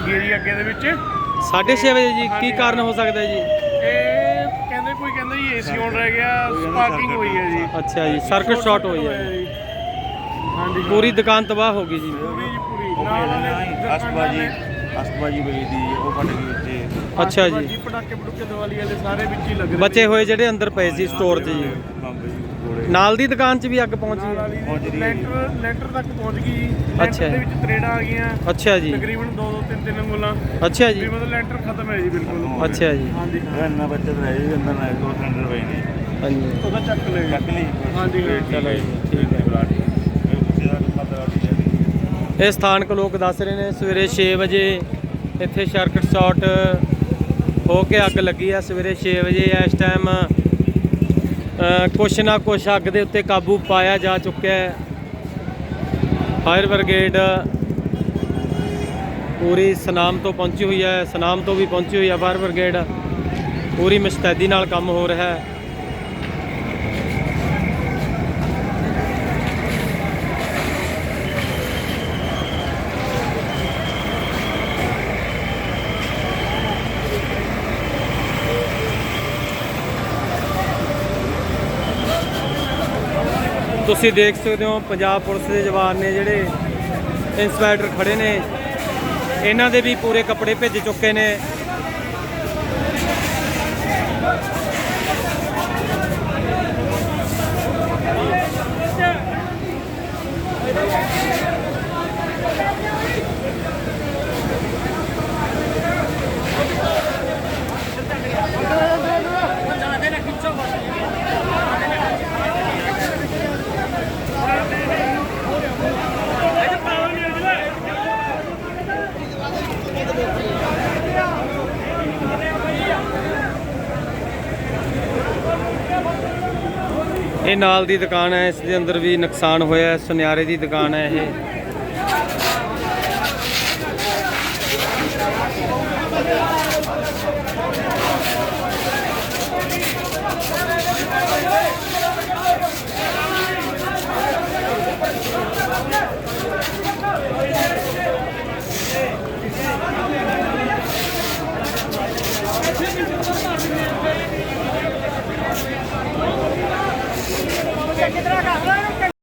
ਲੱਗੀ ਹੈ ਜੀ ਅੱਗੇ ਦੇ ਵਿੱਚ 6:30 ਵਜੇ ਜੀ। ਕੀ ਕਾਰਨ ਹੋ ਸਕਦਾ ਜੀ? ਇਹ ਕਹਿੰਦੇ ਕੋਈ ਕਹਿੰਦਾ ਜੀ ਏਸੀ ਆਨ ਰਹਿ ਗਿਆ, ਸਪਾਰਕਿੰਗ ਹੋਈ ਹੈ ਜੀ। ਅੱਛਾ ਜੀ, ਸਰਕਟ ਸ਼ਾਰਟ ਹੋਈ ਹੈ ਜੀ। ਹਾਂਜੀ ਪੂਰੀ ਦੁਕਾਨ ਤਬਾਹ ਹੋ ਗਈ ਜੀ। ਪੂਰੀ ਜੀ ਪੂਰੀ ਨਾਲ ਅਸਤਬਾਜੀ ਪਈ ਦੀ ਉਹ ਫਟ ਗਈ ਉੱਤੇ। ਅੱਛਾ ਜੀ, ਪਟਾਕੇ ਪਟੂਕੇ ਦੀਵਾਲੀ ਵਾਲੇ ਸਾਰੇ ਵਿੱਚ ਹੀ ਲੱਗ ਰਹੇ ਬਚੇ ਹੋਏ ਜਿਹੜੇ ਅੰਦਰ ਪਏ ਸੀ ਸਟੋਰ 'ਚ ਜੀ। ਨਾਲ ਦੀ ਦੁਕਾਨ 'ਚ ਵੀ ਅੱਗ ਪਹੁੰਚ ਗਈ। ਲੈਂਟਰ ਤੱਕ ਪਹੁੰਚ ਗਈ ਜੀ। ਅੱਛਾ। ਲੈਂਟਰ ਦੇ ਵਿੱਚ ਤਰੇੜਾਂ ਆ ਗਈਆਂ ਅੱਛਾ ਜੀ, ਤਕਰੀਬਨ 2-2 3-3 ਅੰਗੁਲਾਂ। ਅੱਛਾ ਜੀ, ਵੀ ਮਤਲਬ ਲੈਂਟਰ ਖਤਮ ਹੈ ਜੀ ਬਿਲਕੁਲ। ਅੱਛਾ ਜੀ, ਹਾਂਜੀ ਇੰਨਾ ਬੱਚਤ ਰਹਿ ਜੀ ਅੰਦਰ ਨਾ 2 ਸਿਲੰਡਰ ਪਏ ਨੇ। ਹਾਂਜੀ ਉਹਦਾ ਚੱਕ ਲੈ ਚੱਕ ਲਈ ਹਾਂਜੀ ਹਾਂ। ਚਲੋ ਜੀ, ਠੀਕ ਹੈ। ਇਹ ਸਥਾਨਕ ਲੋਕ ਦੱਸ ਰਹੇ ਨੇ ਸਵੇਰੇ 6 ਵਜੇ ਇੱਥੇ ਸਰਕਟ ਸ਼ਾਰਟ ਹੋ ਕੇ ਅੱਗ ਲੱਗੀ ਆ। ਸਵੇਰੇ 6 ਵਜੇ ਇਸ ਟਾਈਮ ਕੁਛ ਨਾ ਕੁਛ ਅੱਗ ਦੇ ਉੱਤੇ ਕਾਬੂ ਪਾਇਆ ਜਾ ਚੁੱਕਿਆ ਹੈ। ਫਾਇਰ ਬ੍ਰਿਗੇਡ ਪੂਰੀ ਸਨਾਮ ਤੋਂ ਪਹੁੰਚੀ ਹੋਈ ਹੈ, ਸਨਾਮ ਤੋਂ ਵੀ ਪਹੁੰਚੀ ਹੋਈ ਹੈ ਫਾਇਰ ਬ੍ਰਿਗੇਡ। ਪੂਰੀ ਮੁਸਤੈਦੀ ਨਾਲ ਕੰਮ ਹੋ ਰਿਹਾ ਹੈ। ਤੁਸੀਂ ਦੇਖ ਸਕਦੇ ਹੋ ਪੰਜਾਬ ਪੁਲਿਸ ਦੇ ਜਵਾਨ ਨੇ ਜਿਹੜੇ ਇੰਸਪੈਕਟਰ ਖੜੇ ਨੇ, ਇਹਨਾਂ ਦੇ ਵੀ ਪੂਰੇ ਕੱਪੜੇ ਭਿੱਜ ਚੁੱਕੇ ਨੇ। ਇਹ ਨਾਲ ਦੀ ਦੁਕਾਨ ਹੈ, ਇਸ ਦੇ ਅੰਦਰ ਵੀ ਨੁਕਸਾਨ ਹੋਇਆ। ਸੁਨਿਆਰੇ ਦੀ ਦੁਕਾਨ ਹੈ ਇਹ।